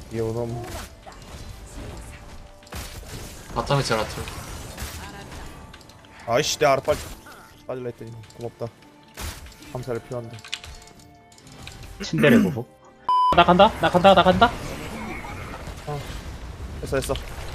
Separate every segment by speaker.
Speaker 1: 요놈.
Speaker 2: 바텀에 제라툴.
Speaker 1: 아이씨 내 알아 빠질라 했더니 고맙다. 감사를 표한다.
Speaker 3: 침대를 보고. 나 간다.
Speaker 1: 됐어.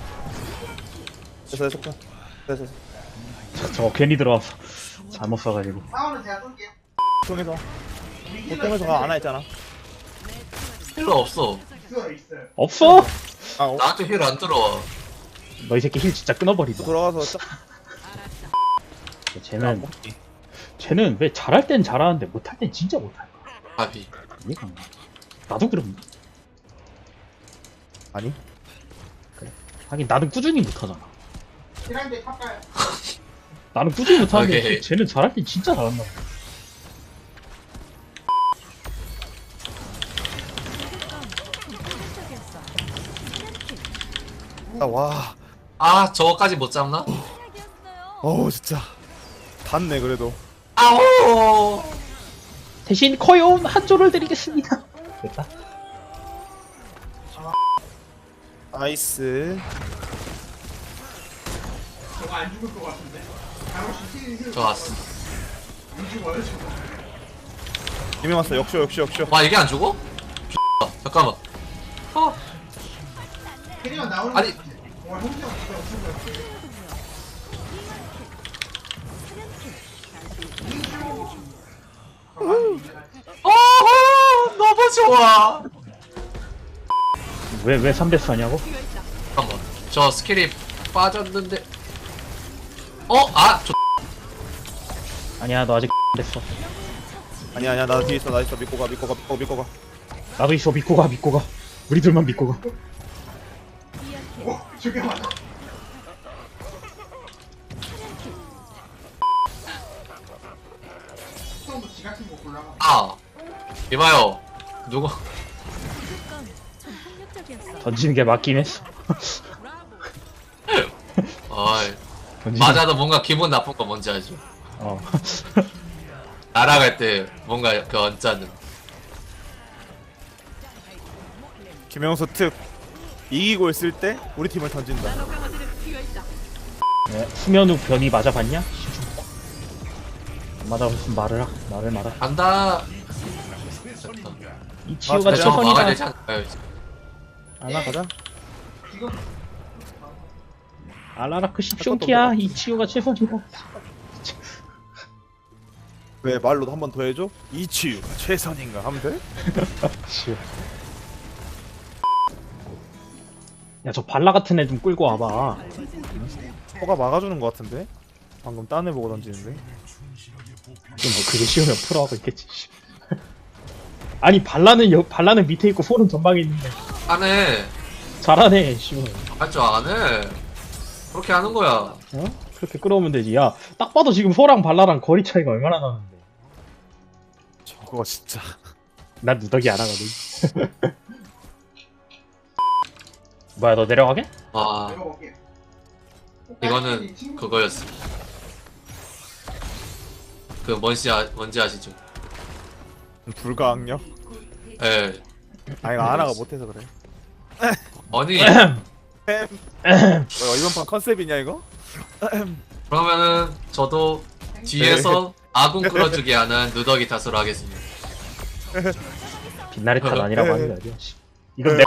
Speaker 3: 저거 괜히 들어와서 잘못 써가지고.
Speaker 1: 통해서 보통에서 가 안와 있잖아.
Speaker 2: 힐러 없어.
Speaker 3: 없어.
Speaker 1: 아
Speaker 2: 나한테 힐 안 들어와.
Speaker 3: 너 이 새끼 힐 진짜 끊어버리자.
Speaker 1: 돌아가서 딱
Speaker 3: 쟤는 왜 잘할 땐 잘하는데 못할 땐 진짜 못할 거야.
Speaker 2: 바비.
Speaker 3: 이해가 안 가. 나도 그럼.
Speaker 1: 아니
Speaker 3: 하긴 나는 꾸준히 못하잖아. 나는 꾸준히 못하는데
Speaker 2: 오케이.
Speaker 3: 쟤는 잘할 땐 진짜 잘한다.
Speaker 1: 와
Speaker 2: 아 저거까지 못 잡나?
Speaker 1: 어우 진짜 닿네 그래도.
Speaker 2: 아오.
Speaker 3: 대신 커요운 한 조를 드리겠습니다. 됐다.
Speaker 1: 나이스.
Speaker 2: 저 왔어.
Speaker 1: 이명 왔어. 역쇼.
Speaker 2: 와 이게 안 죽어? 잠깐만. 아니 너무 좋아.
Speaker 3: 왜 3대스 하냐고?
Speaker 2: 잠깐만. 저 스킬이 빠졌는데.
Speaker 3: 아니야 너 아직 됐어.
Speaker 1: 아니야 나 뒤에 있어. 나 있어. 믿고 가.
Speaker 3: 나도 있어. 믿고 가. 우리 둘만 믿고 가.
Speaker 2: 이봐요. 누구?
Speaker 3: 던지는 게 맞긴 했어.
Speaker 2: 어이.
Speaker 3: 던지는-
Speaker 2: 맞아도 뭔가 기분 나쁜 거 뭔지 알죠?
Speaker 3: 어.
Speaker 2: 날아갈 때 뭔가 그 언짢은.
Speaker 1: 김영수 특 이기고 있을 때 우리 팀을 던진다.
Speaker 3: 네, 수면 후 변이 맞아봤냐? 안 맞아봤으면 말을 말아.
Speaker 2: 간다.
Speaker 3: 이 치유가
Speaker 1: 맞아,
Speaker 2: 대장 막아야 되지
Speaker 3: 최선이다.
Speaker 2: 않을까요?
Speaker 1: 안와 가자.
Speaker 3: 알라라크 십숑키야. 이 치유가 최선이다.
Speaker 1: 왜 말로도 한 번 더 해줘? 이 치유가 최선인가 하면 돼?
Speaker 3: 치유. 야, 저 발라 같은 애 좀 끌고 와봐.
Speaker 1: 허가 막아주는 것 같은데? 방금 딴 애 보고 던지는데?
Speaker 3: 뭐 그게 쉬우면 프로하고 있겠지. 아니 발라는 밑에 있고 폴은 전방에 있는데
Speaker 2: 안해.
Speaker 3: 잘하네. 쉬우면.
Speaker 2: 할 줄 아네. 그렇게 하는 거야.
Speaker 3: 어? 그렇게 끌어오면 되지. 야, 딱 봐도 지금 소랑 발라랑 거리 차이가 얼마나 나는데.
Speaker 1: 저거 진짜.
Speaker 3: 난 누더기 안 하거든. 뭐야, 너 내려가게?
Speaker 2: 와. 이거는 그거였어. 그 뭔지 아시죠?
Speaker 1: 불가항력?
Speaker 2: 예.
Speaker 1: 아니 아나가 못해서 그래.
Speaker 2: 아니
Speaker 1: 이번 판 컨셉이냐 이거?
Speaker 2: 그러면은 저도 뒤에서 아군 끌어주게 하는 누더기 탓으로 하겠습니다.
Speaker 3: 빛나리 탓 아니라고 하는 거 아니야. 이건